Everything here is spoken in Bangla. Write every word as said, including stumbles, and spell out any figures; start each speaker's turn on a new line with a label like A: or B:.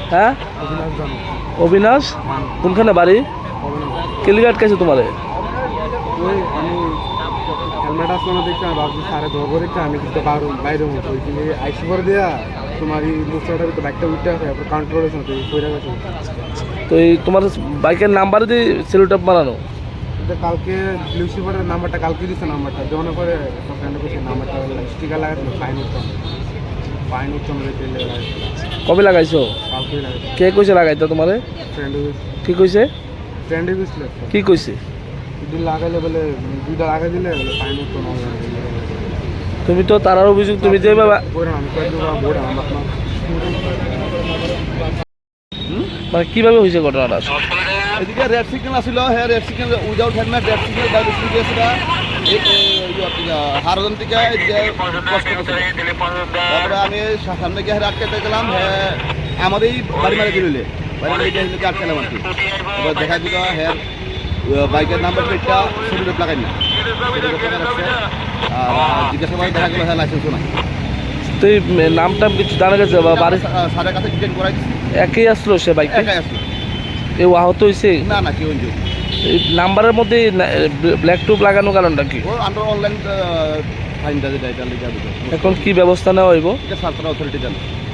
A: হ্যাঁ অবিনাশ কোনখানে বাড়ি কেলিঘাট কাছে তোমারে
B: ওই আমি হেলমেট আসলো দেখতে আমি ভাবছি সারে ধরবো দেখতে আমি কিন্তু বাইরে মতো ওইখানে আইসি করে দেওয়া তোমার এই মুখটার ভিতরে বাইকটা উঠতে আসে তারপর কাউন্টার হয়েছে তো পয়রা গেছে।
A: তো এই তোমার বাইকের নাম্বার দিয়ে সেলুটাপ বানানো
B: কালকে লিউসিফারের নাম্বারটা কালকে দিচ্ছে নাম্বারটা দেওয়ানোর পরে ফ্রেন্ডে বসে নাম্বারটা স্টিকার লাগাচ্ছিল ফাইন উঠতাম ফাইন উঠতাম
A: কবে লাগাইছো
B: কালকে লাগাইছে
A: কে কইছে লাগাইতো তোমারে
B: ফ্রেন্ডে
A: কি কইছে
B: ফ্রেন্ডে গেছিল
A: কি কইছে
B: দুদিন লাগাইলে বলে দুইটা লাগাই দিলে বলে ফাইন উঠতো না
A: তুমি তো তারার অভিযোগ তুমি যে বাবা
B: আমি বোর্ড আমার
A: মানে কিভাবে হয়েছে ঘটনাটা
C: এদিকে রেড সিগন্যাল আসছিল হ্যাঁ red signal without helmet red signal বাইরে স্পিডে আসছিল হারজন থেকে তারপরে আমি সামনে গিয়ে আটকে গেলাম হ্যাঁ আমারই বাড়ি মারে দিলে বাড়ি মারে গিয়ে আটকেলাম আর কি এবার দেখা দিল হ্যাঁ বাইকের নাম্বার প্লেটটা শরীরে লাগাই না আর জিজ্ঞাসা করে দেখা গেল হ্যাঁ লাইসেন্সও নাই।
A: তো এই নামটা কিছু জানা গেছে বা বাড়ি
C: সারের কাছে ডিটেন করাই দিচ্ছি
A: একই আসলো সে বাইকে
C: একাই আসলো
A: এ আহত হয়েছে
C: না না কেউ ইনজুরি
A: এই নাম্বারের মধ্যে ব্ল্যাক টুপ লাগানোর কারণটা কি
C: ও আমরা অনলাইন ফাইনটা যেটা এটা লিখে দিতে
A: এখন কি ব্যবস্থা নেওয়া হইব
C: এটা সার্তার অথরিটি জানে।